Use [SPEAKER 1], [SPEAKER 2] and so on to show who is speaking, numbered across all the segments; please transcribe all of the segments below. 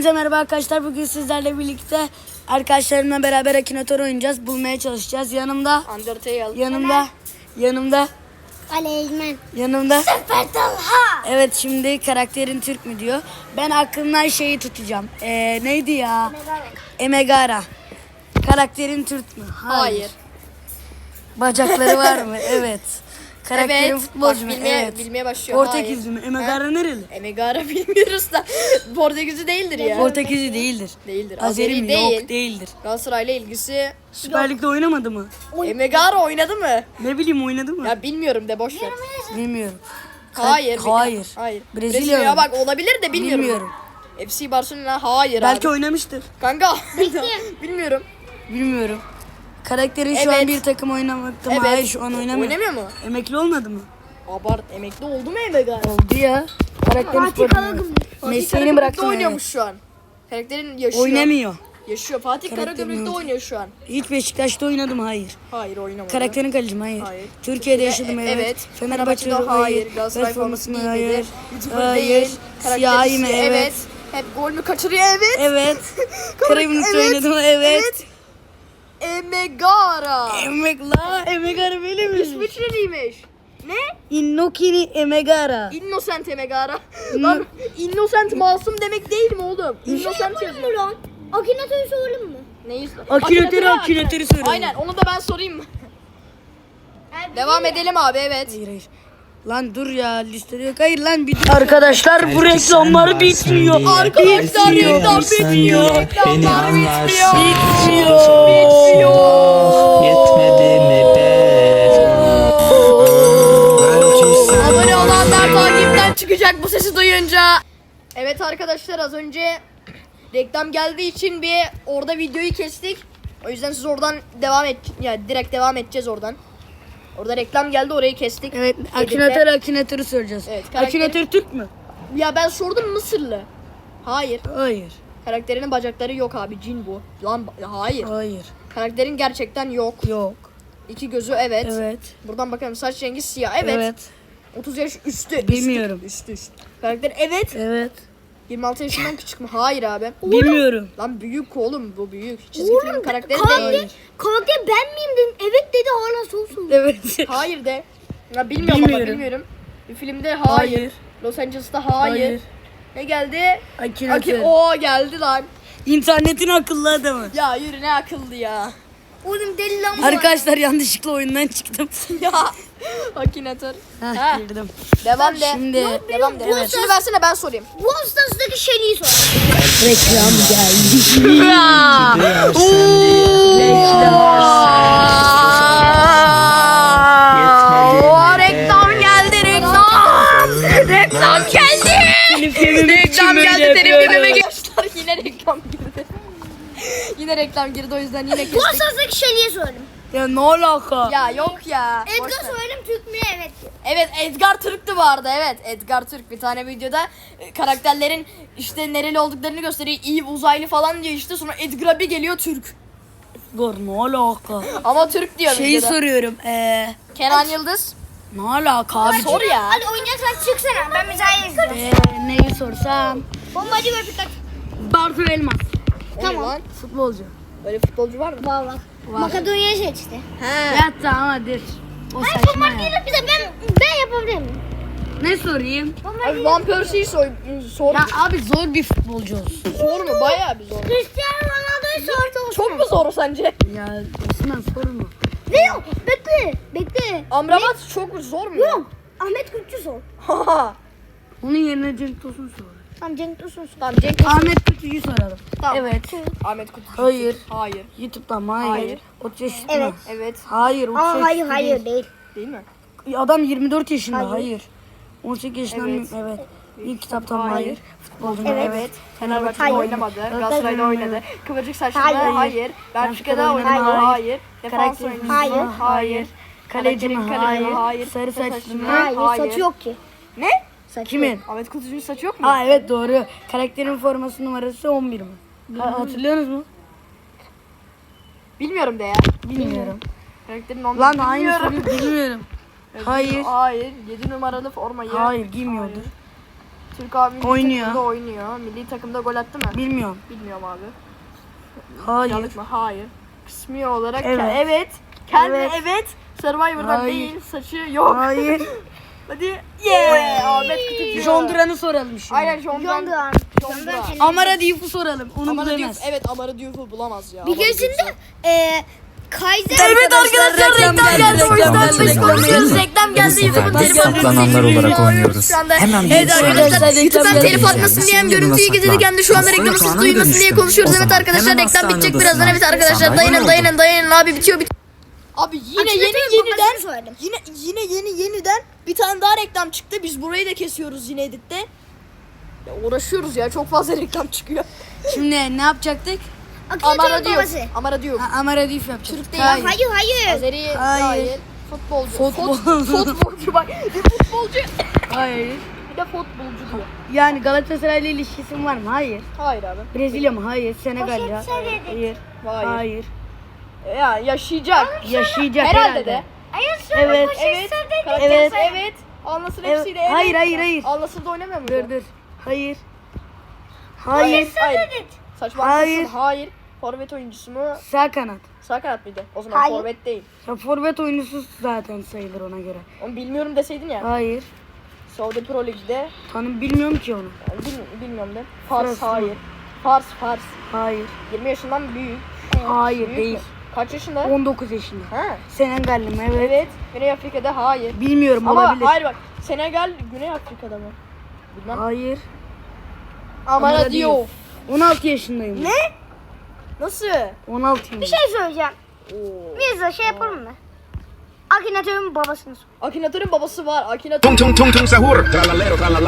[SPEAKER 1] Hepinize merhaba arkadaşlar. Bugün sizlerle birlikte arkadaşlarımla beraber Akinator oynayacağız. Bulmaya çalışacağız. Yanımda
[SPEAKER 2] Aleymen.
[SPEAKER 1] Süper Talha. Evet, şimdi karakterin Türk mü diyor. Ben aklımdan şeyi tutacağım. Neydi ya? Emegara. Karakterin Türk mü?
[SPEAKER 3] Hayır.
[SPEAKER 1] Bacakları var mı? Evet. Karakterin
[SPEAKER 3] Evet.
[SPEAKER 1] futbolcu mu?
[SPEAKER 3] Bak,
[SPEAKER 1] Evet.
[SPEAKER 3] bilmeye başlıyor.
[SPEAKER 1] Portekizli mi? Emegara nereli?
[SPEAKER 3] Emegara bilmiyoruz da Portekizli değildir ya.
[SPEAKER 1] Portekizli değildir.
[SPEAKER 3] Değildir.
[SPEAKER 1] Azeri mi?
[SPEAKER 3] değil.
[SPEAKER 1] Yok, değildir.
[SPEAKER 3] Galatasaray'la ilgisi.
[SPEAKER 1] Süper Lig'de oynamadı mı?
[SPEAKER 3] Emegara oynadı mı?
[SPEAKER 1] Ne bileyim, oynadı mı?
[SPEAKER 3] Ya bilmiyorum de boş ver.
[SPEAKER 1] Bilmiyorum.
[SPEAKER 3] Hayır.
[SPEAKER 1] Hayır.
[SPEAKER 3] Hayır.
[SPEAKER 1] Brezilya
[SPEAKER 3] Brezilya
[SPEAKER 1] mı?
[SPEAKER 3] bak olabilir de bilmiyorum.
[SPEAKER 1] Bilmiyorum.
[SPEAKER 3] FC Barcelona hayır
[SPEAKER 1] Belki
[SPEAKER 3] abi.
[SPEAKER 1] oynamıştır.
[SPEAKER 3] Kanka. Bilmiyorum.
[SPEAKER 1] Bilmiyorum. Karakterin şu an
[SPEAKER 3] Evet.
[SPEAKER 1] bir takım oynamakta mı?
[SPEAKER 3] Evet.
[SPEAKER 1] Hayır, şu an oynamıyor.
[SPEAKER 3] Oynamıyor mu?
[SPEAKER 1] Emekli olmadı mı?
[SPEAKER 3] Abart emekli oldu mu Emegara?
[SPEAKER 1] Oldu ya. Karakterin sporcu. Mesleğini
[SPEAKER 3] Karagümrük'te
[SPEAKER 1] bıraktı.
[SPEAKER 3] oynuyormuş şu an. Karakterin yaşıyor.
[SPEAKER 1] Oynamıyor.
[SPEAKER 3] Yaşıyor. Fatih
[SPEAKER 1] Karakterin
[SPEAKER 3] Karagümrük'te
[SPEAKER 1] yok.
[SPEAKER 3] oynuyor şu an.
[SPEAKER 1] Hiç Beşiktaş'ta oynadı mı? Hayır.
[SPEAKER 3] Hayır oynamadı.
[SPEAKER 1] Karakterin kalecim? Hayır.
[SPEAKER 3] Hayır.
[SPEAKER 1] Türkiye'de yaşadım, evet.
[SPEAKER 3] Evet.
[SPEAKER 1] Fenerbahçe'de
[SPEAKER 3] hayır. Galatasaray formasını
[SPEAKER 1] hayır.
[SPEAKER 3] giymedir. YouTuber
[SPEAKER 1] Hayır.
[SPEAKER 3] değil.
[SPEAKER 1] Siyahi mi?
[SPEAKER 3] Karakterisi,
[SPEAKER 1] Evet.
[SPEAKER 3] Hep gol mü kaçırıyor? Evet.
[SPEAKER 1] Evet. Karagümrük'te
[SPEAKER 3] Evet.
[SPEAKER 1] oynadı mı? Evet.
[SPEAKER 3] Emegara.
[SPEAKER 1] Emegara böyle mi?
[SPEAKER 3] İsviçreliymiş. Ne?
[SPEAKER 1] Innokini Emegara.
[SPEAKER 3] Innocent Emegara. Lan innocent masum demek değil mi oğlum? Innocent
[SPEAKER 2] Sorayım
[SPEAKER 3] yazıyor.
[SPEAKER 2] mı lan? Akinator'u sorayım mı?
[SPEAKER 3] Neyi?
[SPEAKER 1] Akinator'u söyle.
[SPEAKER 3] Aynen onu da ben sorayım mı? Devam edelim abi, evet.
[SPEAKER 1] Hayır. Lan dur ya, listede yok. Hayır lan, arkadaşlar bu reklamlar bitmiyor.
[SPEAKER 3] Arkadaşlar reklam bitmiyor.
[SPEAKER 4] Beni
[SPEAKER 3] Reklamlar
[SPEAKER 4] anlarsın.
[SPEAKER 3] bitmiyor.
[SPEAKER 4] Yetmedi mi be?
[SPEAKER 3] Abone olanlar takipten çıkacak bu sesi duyunca. Evet arkadaşlar, az önce reklam geldiği için bir orada videoyu kestik. O yüzden siz oradan direkt devam edeceğiz oradan. Orada reklam geldi, orayı kestik.
[SPEAKER 1] Evet,
[SPEAKER 3] Edit'te.
[SPEAKER 1] Akinator'u soracağız.
[SPEAKER 3] Evet, karakteri-
[SPEAKER 1] Akinator Türk mü?
[SPEAKER 3] Ya ben sordum, Mısırlı. Hayır.
[SPEAKER 1] Hayır.
[SPEAKER 3] Karakterinin bacakları yok abi, cin bu. Lan hayır.
[SPEAKER 1] Hayır.
[SPEAKER 3] Karakterin gerçekten yok.
[SPEAKER 1] Yok.
[SPEAKER 3] İki gözü evet.
[SPEAKER 1] Evet.
[SPEAKER 3] Buradan bakalım, saç rengi siyah evet.
[SPEAKER 1] Evet.
[SPEAKER 3] 30 yaş üstü.
[SPEAKER 1] Bilmiyorum.
[SPEAKER 3] Üstü. Karakter evet.
[SPEAKER 1] Evet.
[SPEAKER 3] 26 yaşından küçük mü? Hayır abi.
[SPEAKER 1] Bilmiyorum.
[SPEAKER 3] Lan büyük oğlum, bu büyük. Çizgi film karakteri değil.
[SPEAKER 2] Karakter ben miyim dedim. Evet dedi, hala soğusun.
[SPEAKER 1] Evet.
[SPEAKER 3] Hayır de. Ya bilmiyorum ama
[SPEAKER 1] Bilmiyorum.
[SPEAKER 3] bilmiyorum. Bir filmde hayır.
[SPEAKER 1] Hayır.
[SPEAKER 3] Los Angeles'ta hayır. Ne geldi?
[SPEAKER 1] Akinator.
[SPEAKER 3] O geldi lan.
[SPEAKER 1] İnternetin akıllı adamı.
[SPEAKER 3] Ya yürü, ne akıllı ya.
[SPEAKER 2] Oğlum deli lan bu.
[SPEAKER 1] Arkadaşlar yanlışlıkla oyundan çıktım.
[SPEAKER 3] Ya. Akinator.
[SPEAKER 1] Heh,
[SPEAKER 3] Ha.
[SPEAKER 1] girdim.
[SPEAKER 3] Devam de.
[SPEAKER 1] Şimdi
[SPEAKER 3] Devam de. Evet. Şimdi versene, ben sorayım.
[SPEAKER 2] Bu hastasındaki şeyliği sor.
[SPEAKER 1] reklam geldi.
[SPEAKER 3] Oo, reklam geldi, reklam. Reklam geldi. Reklam geldi. Terim filmime geçtiler. Yine reklam girdi. Yine reklam girdi, o yüzden yine
[SPEAKER 2] Bu
[SPEAKER 3] kestik.
[SPEAKER 2] hastasındaki şeyliği sordum.
[SPEAKER 1] Ya ne alaka?
[SPEAKER 3] Ya yok ya. Boş
[SPEAKER 2] Edgar
[SPEAKER 3] ver.
[SPEAKER 2] söyledim, Türk mü? Evet.
[SPEAKER 3] Evet, Edgar Türk'tü bu arada. Evet, Edgar Türk. Bir tane videoda karakterlerin işte nereli olduklarını gösteriyor. İyi uzaylı falan diyor işte. Sonra Edgar'a bir geliyor, Türk.
[SPEAKER 1] Dur, ne alaka?
[SPEAKER 3] Ama Türk diyor
[SPEAKER 1] Şeyi
[SPEAKER 3] videoda.
[SPEAKER 1] soruyorum.
[SPEAKER 3] Kenan Yıldız.
[SPEAKER 1] Ne alaka abi?
[SPEAKER 3] Sor ya.
[SPEAKER 2] Hadi oynayacaksan çıksana. Ben müzayede izleyeceğim.
[SPEAKER 1] Neyi sorsam?
[SPEAKER 2] Bombacı ve Pikachu.
[SPEAKER 1] Bartu Elmas.
[SPEAKER 3] Tamam. Lan.
[SPEAKER 1] Futbolcu.
[SPEAKER 3] Öyle futbolcu var mı?
[SPEAKER 2] Var var. Makedonya'yı seçti.
[SPEAKER 3] He.
[SPEAKER 1] Ya tamam, hadi. O
[SPEAKER 2] Hayır,
[SPEAKER 1] saçma
[SPEAKER 2] bombardier
[SPEAKER 1] ya.
[SPEAKER 2] bize ben yapabilir miyim?
[SPEAKER 1] Ne sorayım?
[SPEAKER 3] Abi Van Persie'yi sor.
[SPEAKER 1] Ya abi, zor bir futbolcu olsun.
[SPEAKER 3] Zor mu? Bayağı bir zor.
[SPEAKER 2] Cristiano Ronaldo'yu sordu.
[SPEAKER 3] Çok mu zor sence?
[SPEAKER 1] Ya Osman sorma.
[SPEAKER 2] Ne yok? Bekle.
[SPEAKER 3] Amrabat çok zor mu?
[SPEAKER 2] Yok. Ahmet Kutçu sor.
[SPEAKER 3] Haha.
[SPEAKER 1] Onun yerine Cenk Tosun sor.
[SPEAKER 2] Tamam, Cenk Tosun sor.
[SPEAKER 3] Tamam, Cenk.
[SPEAKER 1] Ahmet Kutucu'yu soralım.
[SPEAKER 3] Tamam.
[SPEAKER 1] Evet.
[SPEAKER 3] Ahmet Kutu.
[SPEAKER 1] Hayır.
[SPEAKER 3] Hayır.
[SPEAKER 1] YouTube'dan mı? Hayır.
[SPEAKER 3] Hayır.
[SPEAKER 1] 30 yaşında
[SPEAKER 2] Evet.
[SPEAKER 1] mı?
[SPEAKER 3] Evet.
[SPEAKER 1] Hayır. 30
[SPEAKER 2] Aa,
[SPEAKER 1] yaşında
[SPEAKER 2] hayır değil.
[SPEAKER 3] Değil mi?
[SPEAKER 1] Adam 24 yaşında.
[SPEAKER 2] Hayır.
[SPEAKER 1] Hayır. 18 yaşında
[SPEAKER 3] Evet.
[SPEAKER 1] mı? Evet. İlk kitaptan mı?
[SPEAKER 3] Hayır.
[SPEAKER 1] Hayır. Futbolcu mu?
[SPEAKER 2] Evet.
[SPEAKER 3] Evet. Fenerbahçe'de
[SPEAKER 2] Hayır.
[SPEAKER 3] oynamadı. Galatasaray'da oynadı. Kıvırcık saçlı mı?
[SPEAKER 2] Hayır.
[SPEAKER 3] Hayır. Benfica'da oynadı.
[SPEAKER 1] Hayır.
[SPEAKER 3] Hayır. Defans
[SPEAKER 1] Karakter
[SPEAKER 3] oyuncusu
[SPEAKER 1] mi?
[SPEAKER 2] Hayır.
[SPEAKER 3] mu? Hayır.
[SPEAKER 1] Kaleci mi?
[SPEAKER 3] Kalecinin
[SPEAKER 1] Hayır.
[SPEAKER 3] kaleci mi? Hayır.
[SPEAKER 1] Sarı saçlı mı?
[SPEAKER 2] Hayır,
[SPEAKER 3] Hayır.
[SPEAKER 2] saçı yok ki.
[SPEAKER 3] Ne?
[SPEAKER 2] Saçı
[SPEAKER 1] Kimin?
[SPEAKER 2] yok.
[SPEAKER 3] Ahmet Kutucu'nun saçı yok mu?
[SPEAKER 1] Aa evet, doğru. Karakterin forması numarası 11 mi? Hatırlıyorsunuz mu?
[SPEAKER 3] Bilmiyorum de ya.
[SPEAKER 1] Bilmiyorum.
[SPEAKER 3] Karakterin onu
[SPEAKER 1] Lan aynı
[SPEAKER 3] bilmiyorum.
[SPEAKER 1] soruyu bilmiyorum. Hayır.
[SPEAKER 3] Hayır. 7 numaralı formayı.
[SPEAKER 1] Hayır, giymiyordur.
[SPEAKER 3] Türk abi milli
[SPEAKER 1] Oynuyor.
[SPEAKER 3] takımda oynuyor. Milli takımda gol attı mı?
[SPEAKER 1] Bilmiyorum.
[SPEAKER 3] Bilmiyorum abi.
[SPEAKER 1] Hayır.
[SPEAKER 3] Yanlış mı? Hayır. Kısmi olarak
[SPEAKER 1] Evet.
[SPEAKER 3] evet. Kendi
[SPEAKER 1] Evet.
[SPEAKER 3] evet. Survivor'dan
[SPEAKER 1] Hayır.
[SPEAKER 3] değil. Saçı yok.
[SPEAKER 1] Hayır.
[SPEAKER 3] Hadi. Yeah. Ahmet Kutucu.
[SPEAKER 1] John Duran'ı soralım şimdi.
[SPEAKER 3] Aynen John
[SPEAKER 2] John
[SPEAKER 3] Duran.
[SPEAKER 2] Duran.
[SPEAKER 1] Amara Diouf'u soralım. Onu
[SPEAKER 3] Amara Diouf.
[SPEAKER 1] bilemez.
[SPEAKER 3] Evet Amara Diouf'u bulamaz ya.
[SPEAKER 2] Bir
[SPEAKER 3] Amara
[SPEAKER 2] keresinde
[SPEAKER 3] Diouf'u.
[SPEAKER 2] Kaiser
[SPEAKER 1] Evet arkadaşlar reklam geldi. O yüzden biz konuşuyoruz. Reklam geldi. YouTube'un telefonu.
[SPEAKER 5] Saklananlar olarak oynuyoruz.
[SPEAKER 3] Şu anda
[SPEAKER 5] Hemen
[SPEAKER 1] Evet arkadaşlar
[SPEAKER 3] YouTube'dan
[SPEAKER 1] reklam
[SPEAKER 3] telif
[SPEAKER 1] geldi.
[SPEAKER 3] atmasın diyen görüntüyü gizledik hem de şu anda reklamı siz duymasın diye konuşuyoruz. Evet arkadaşlar reklam bitecek birazdan. Evet arkadaşlar dayanın abi bitiyor. Abi yine yeniden bir tane daha reklam çıktı. Biz burayı da kesiyoruz yine editte. Ya uğraşıyoruz ya çok fazla reklam çıkıyor.
[SPEAKER 1] Şimdi ne yapacaktık?
[SPEAKER 3] Amara Diouf. Amara Diouf.
[SPEAKER 1] Amara Diouf yapacaktık.
[SPEAKER 3] Türk değil.
[SPEAKER 2] Hayır.
[SPEAKER 3] Azeri
[SPEAKER 1] Hayır.
[SPEAKER 3] hayır. Futbolcu.
[SPEAKER 1] Futbol.
[SPEAKER 3] Futbolcu bak. Bir futbolcu.
[SPEAKER 1] Hayır.
[SPEAKER 3] Bir de futbolcu diyor.
[SPEAKER 1] Yani Galatasaray'la ilişkisi var mı? Hayır.
[SPEAKER 3] Hayır abi.
[SPEAKER 1] Brezilya mı? Hayır. Senegal'le?
[SPEAKER 2] söyledik.
[SPEAKER 1] Hayır.
[SPEAKER 3] Hayır.
[SPEAKER 1] Hayır.
[SPEAKER 3] Ya yaşayacak.
[SPEAKER 1] Yaşayacak
[SPEAKER 3] Herhalde de.
[SPEAKER 1] Evet.
[SPEAKER 3] Evet.
[SPEAKER 1] Evet.
[SPEAKER 3] Evet. Anlasın
[SPEAKER 1] Evet.
[SPEAKER 3] hepsiyle. Evet.
[SPEAKER 1] Hayır.
[SPEAKER 3] Anlasın da oynamıyor mu?
[SPEAKER 1] Dur. Hayır. Hayır.
[SPEAKER 3] Saçma.
[SPEAKER 1] Hayır.
[SPEAKER 3] Hayır. Forvet oyuncusu mu?
[SPEAKER 1] Sağ kanat.
[SPEAKER 3] Sağ kanat mıydı? O zaman
[SPEAKER 2] Hayır.
[SPEAKER 3] forvet değil.
[SPEAKER 1] Ya forvet oyuncusu zaten sayılır ona göre.
[SPEAKER 3] Onu bilmiyorum deseydin ya.
[SPEAKER 1] Hayır.
[SPEAKER 3] Saudi Pro Lig'de.
[SPEAKER 1] Bilmiyorum ki onu.
[SPEAKER 3] Yani bilmiyorum de. Fars
[SPEAKER 1] Fransa.
[SPEAKER 3] hayır. Fars.
[SPEAKER 1] Hayır.
[SPEAKER 3] 20 yaşından büyük.
[SPEAKER 1] Hayır
[SPEAKER 3] Büyük
[SPEAKER 1] değil.
[SPEAKER 3] mü? Kaç yaşında?
[SPEAKER 1] 19 yaşında.
[SPEAKER 3] Ha.
[SPEAKER 1] Senegalli mi? Evet.
[SPEAKER 3] Evet. Güney Afrika'da hayır.
[SPEAKER 1] Bilmiyorum
[SPEAKER 3] Ama
[SPEAKER 1] olabilir.
[SPEAKER 3] hayır bak. Senegal Güney Afrika'da mı? Bilmem.
[SPEAKER 1] Hayır.
[SPEAKER 3] Amara
[SPEAKER 1] Amara
[SPEAKER 3] Diouf.
[SPEAKER 1] 16 yaşındayım. Ne?
[SPEAKER 3] Nasıl?
[SPEAKER 1] 16 yaşındayım.
[SPEAKER 2] Bir şey söyleyeceğim.
[SPEAKER 3] Oo.
[SPEAKER 2] Mirza şey yapalım mı? Akinator'un babasını sor.
[SPEAKER 3] Akinator'un babası var. Akinator.
[SPEAKER 6] Tung tung tung tung sahur, tralalero tralala.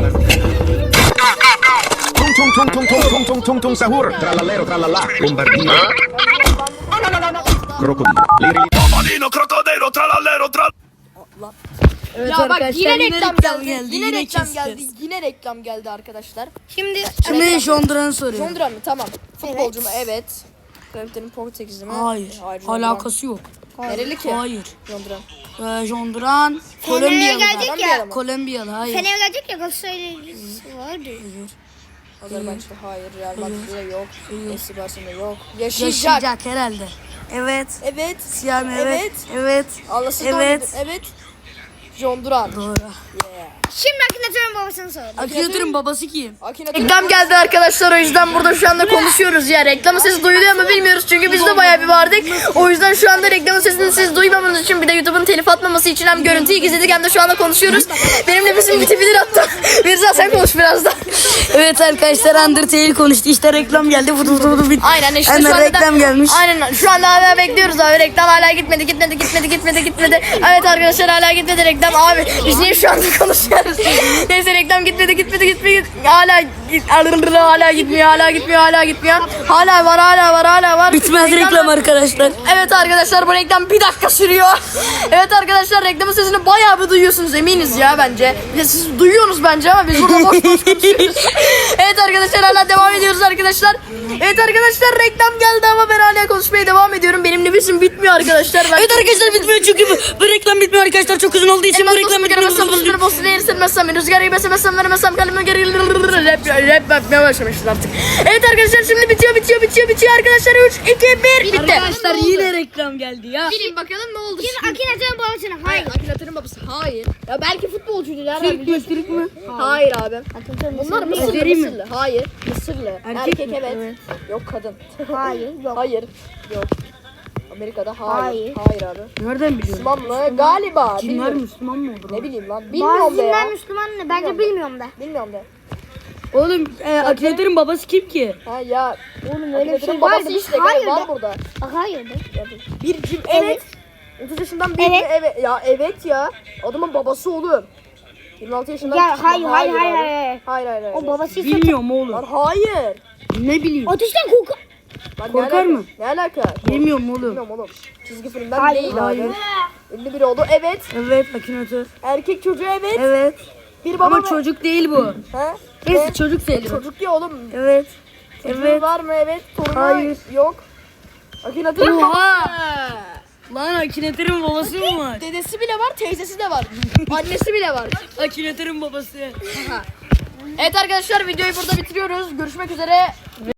[SPEAKER 6] Tung tung tung tung tung tung tung tung tung sahur, tralalero tralala. Bombardino. Crocodilo. Liri.
[SPEAKER 7] Topolino, crocodilo, trallallero,
[SPEAKER 1] Evet
[SPEAKER 3] Ya bak
[SPEAKER 1] arkadaşlar
[SPEAKER 3] yine reklam geldi. Yine reklam
[SPEAKER 1] keseceğiz.
[SPEAKER 3] geldi. Yine reklam geldi arkadaşlar.
[SPEAKER 2] Şimdi
[SPEAKER 1] Şimdi John Duran'ı soruyor.
[SPEAKER 3] John Duran mı? Tamam. Futbolcu mu? Evet. Karakterin Portekizli mi?
[SPEAKER 1] Hayır.
[SPEAKER 3] John Duran.
[SPEAKER 1] Alakası yok.
[SPEAKER 3] Nereli ki?
[SPEAKER 1] Hayır.
[SPEAKER 3] John Duran.
[SPEAKER 1] John Duran
[SPEAKER 2] Fener'e
[SPEAKER 1] Kolombiyalı.
[SPEAKER 2] gelecek
[SPEAKER 3] Kolombiyalı
[SPEAKER 2] ya.
[SPEAKER 3] mı?
[SPEAKER 1] Kolombiyalı. Hayır.
[SPEAKER 2] Fener'e gelecek ya Galatasaray'lısı vardı.
[SPEAKER 3] Azerbaycan'da hayır. Real Madrid'de yok. FC Barcelona'da yok. Yaşayacak.
[SPEAKER 1] Yaşayacak herhalde. Evet.
[SPEAKER 3] Evet.
[SPEAKER 1] Siyah mı? Evet.
[SPEAKER 3] Evet.
[SPEAKER 1] Evet.
[SPEAKER 3] Allah'sı
[SPEAKER 1] Evet.
[SPEAKER 3] Evet. John Duran.
[SPEAKER 1] Doğru.
[SPEAKER 2] Şimdi Akinator'un babasını sor.
[SPEAKER 1] Akinator'un babası kim?
[SPEAKER 3] Reklam geldi arkadaşlar o yüzden burada şu anda konuşuyoruz ya. Reklamın sesi duyuluyor mu bilmiyoruz çünkü biz de bayağı bir vardık. O yüzden şu anda reklamın sesini siz duymamanız için bir de YouTube'un telif atmaması için hem görüntüyü gizledik hem de şu anda konuşuyoruz. Benim nefesim bitebilir hatta. Mirza sen konuş biraz da.
[SPEAKER 1] Evet arkadaşlar Undertale konuştu. İşte reklam geldi. Vudu bitti.
[SPEAKER 3] Aynen işte
[SPEAKER 1] Hemen
[SPEAKER 3] şu anda
[SPEAKER 1] reklam
[SPEAKER 3] da,
[SPEAKER 1] gelmiş.
[SPEAKER 3] Aynen şu anda hala bekliyoruz abi. Reklam hala gitmedi. Evet arkadaşlar hala gitmedi reklam abi. Biz niye şu anda konuşuyoruz? Neyse reklam gitmedi. Hala gitmiyor. Hala var.
[SPEAKER 1] Bitmez reklam arkadaşlar.
[SPEAKER 3] Evet arkadaşlar bu reklam bir dakika sürüyor. Evet arkadaşlar reklamın sesini bayağı bir duyuyorsunuz eminiz ya bence. Ya siz duyuyorsunuz bence ama biz burada boş konuşuyoruz. Evet arkadaşlar hala devam ediyoruz arkadaşlar. Evet arkadaşlar reklam geldi ama ben hala konuşmaya devam ediyorum. Benim nefesim bitmiyor arkadaşlar.
[SPEAKER 1] Evet arkadaşlar bitmiyor çünkü bu reklam bitmiyor arkadaşlar. Çok uzun olduğu için bu reklam bitmiyor.
[SPEAKER 3] Rüzgarı yemesem veremezsem kalbime geri rap yapmaya başlamışız artık. Evet arkadaşlar şimdi bitiyor arkadaşlar 3, 2, 1 bitti.
[SPEAKER 1] Arkadaşlar yine reklam geldi ya.
[SPEAKER 3] Bilin bakalım ne oldu
[SPEAKER 2] Şimdi Akinator'un babasını. Hayır.
[SPEAKER 3] Akinator'un babası hayır. Ya belki futbolcuydu nereden
[SPEAKER 1] Türk mü?
[SPEAKER 3] biliyorsun?
[SPEAKER 1] Türk mü?
[SPEAKER 3] Hayır abi. Bunlar Mısırlı
[SPEAKER 1] Azeri mi?
[SPEAKER 3] Mısırlı. Hayır. Mısırlı. Erkek
[SPEAKER 1] mi?
[SPEAKER 3] evet.
[SPEAKER 1] Evet.
[SPEAKER 3] Yok kadın.
[SPEAKER 2] Hayır. Yok.
[SPEAKER 3] Hayır. Yok. Amerika'da hayır.
[SPEAKER 2] Hayır.
[SPEAKER 3] Hayır abi.
[SPEAKER 1] Nereden biliyorsun?
[SPEAKER 3] Müslüman mı? Galiba.
[SPEAKER 1] Kimler
[SPEAKER 3] Bilmiyorum.
[SPEAKER 1] Müslüman mı olur?
[SPEAKER 3] Ne bileyim lan. Bilmiyorum da ya.
[SPEAKER 2] Bazılar Müslüman mı? Bence bilmiyorum da.
[SPEAKER 3] Bilmiyorum da.
[SPEAKER 1] Oğlum Akinator'un babası kim ki?
[SPEAKER 3] Ha ya.
[SPEAKER 2] Oğlum öyle bir
[SPEAKER 3] Akinator'un
[SPEAKER 2] şey
[SPEAKER 3] babası
[SPEAKER 2] vardı.
[SPEAKER 3] işte.
[SPEAKER 2] Hayır
[SPEAKER 3] Var
[SPEAKER 2] de.
[SPEAKER 3] burada.
[SPEAKER 2] Hayır de.
[SPEAKER 3] Bir cim evet. 30 yaşından bir
[SPEAKER 2] Evet.
[SPEAKER 3] evet. Ya evet ya. Adamın babası oğlum. 26 yaşından
[SPEAKER 2] Ya,
[SPEAKER 3] küçük.
[SPEAKER 2] hayır.
[SPEAKER 3] Hayır.
[SPEAKER 2] O babasıysa
[SPEAKER 1] Bilmiyorum oğlum.
[SPEAKER 3] Lan hayır.
[SPEAKER 1] Ne bileyim.
[SPEAKER 2] ateşten korkar.
[SPEAKER 3] Lan ne
[SPEAKER 1] Korkar
[SPEAKER 3] alaka?
[SPEAKER 1] mı?
[SPEAKER 3] Ne alaka?
[SPEAKER 1] Bilmiyorum oğlum.
[SPEAKER 3] Bilmiyorum oğlum. Çizgi filmden
[SPEAKER 2] Hayır.
[SPEAKER 3] değil
[SPEAKER 1] Hayır.
[SPEAKER 3] abi. Ünlü biri oldu. Evet.
[SPEAKER 1] Evet Akinator.
[SPEAKER 3] Erkek çocuğu evet.
[SPEAKER 1] Evet.
[SPEAKER 3] Bir baba
[SPEAKER 1] Ama
[SPEAKER 3] mı?
[SPEAKER 1] çocuk değil bu.
[SPEAKER 3] Ha?
[SPEAKER 1] Neyse
[SPEAKER 3] Ne?
[SPEAKER 1] çocuk sayılır.
[SPEAKER 3] Çocuk ya oğlum.
[SPEAKER 1] Evet.
[SPEAKER 3] Çocuğu
[SPEAKER 1] Evet.
[SPEAKER 3] var mı? Evet. Torunu
[SPEAKER 1] Hayır.
[SPEAKER 3] yok. Akinator.
[SPEAKER 1] Oha! Lan Akinator'un babası mı var?
[SPEAKER 3] Dedesi bile var, teyzesi de var. Annesi bile var.
[SPEAKER 1] Akinator'un babası.
[SPEAKER 3] Evet arkadaşlar videoyu burada bitiriyoruz. Görüşmek üzere.